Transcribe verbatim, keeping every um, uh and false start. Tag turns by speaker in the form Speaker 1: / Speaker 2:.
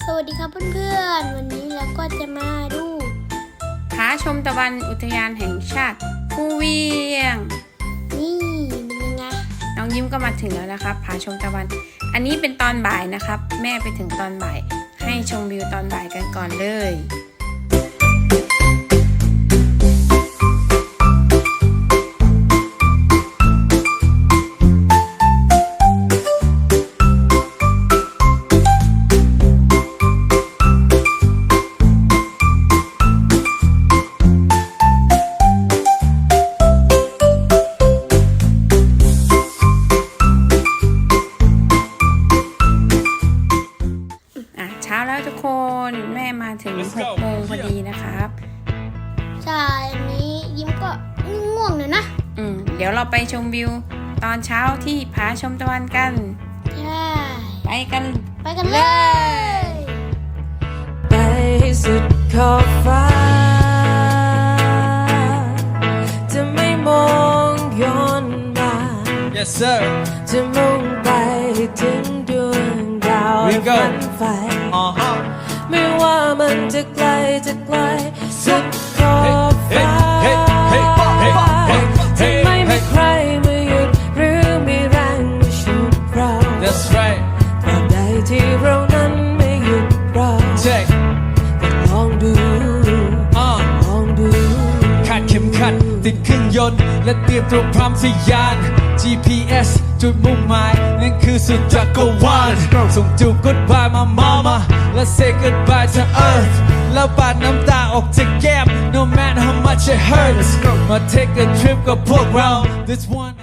Speaker 1: วัสดีครับเพื่อนๆวันนี้เราก็จะมาดู
Speaker 2: ผาชมตะวันอุทยานแห่งชาติภูเวียง
Speaker 1: นี่เป็นยังไง
Speaker 2: น้องยิ้มก็มาถึงแล้วนะครับผาชมตะวันอันนี้เป็นตอนบ่ายนะครับแม่ไปถึงตอนบ่ายให้ชมวิวตอนบ่ายกันก่อนเลยเช้าแล้วทุกคนแม่มาถึงหกโมงพอดีนะครับ
Speaker 1: ใช่อันนี้ยิ้มก็ง่วงเลยนะ
Speaker 2: อืมเดี๋ยวเราไปชมวิวตอนเช้าที่ผาชมตะวันกัน
Speaker 1: ใช่
Speaker 2: ไปกัน
Speaker 1: ไปกันเลย
Speaker 3: ไปสุดขอบฟ้าจะไม่มองย้อนมา
Speaker 4: Yes sir
Speaker 3: จะมุ่งไปถึงดวงดาวฝันไฟไม่ว่ามันจะไกลจะไกลสุดขอบฟ้าจะไม่มีใครมาหยุดหรือมีแรงมาฉุดเรา
Speaker 4: That's right
Speaker 3: ตราบใดที่เรานั้นไม่หยุดเราก็ลองดูลองดู
Speaker 4: คาดเข็มขัดติดเครื่องยนต์และเตรียมตัวพร้อมทะยาน จี พี เอส จุดมุ่งหมายนั่นคือสุดจักรวาลส่งจูบ goodbye มามามาและ say goodbye to earth แล้วปาดน้ำตาออกจากแก้ม no matter how much it hurts มา take a trip กับพวกเรา this one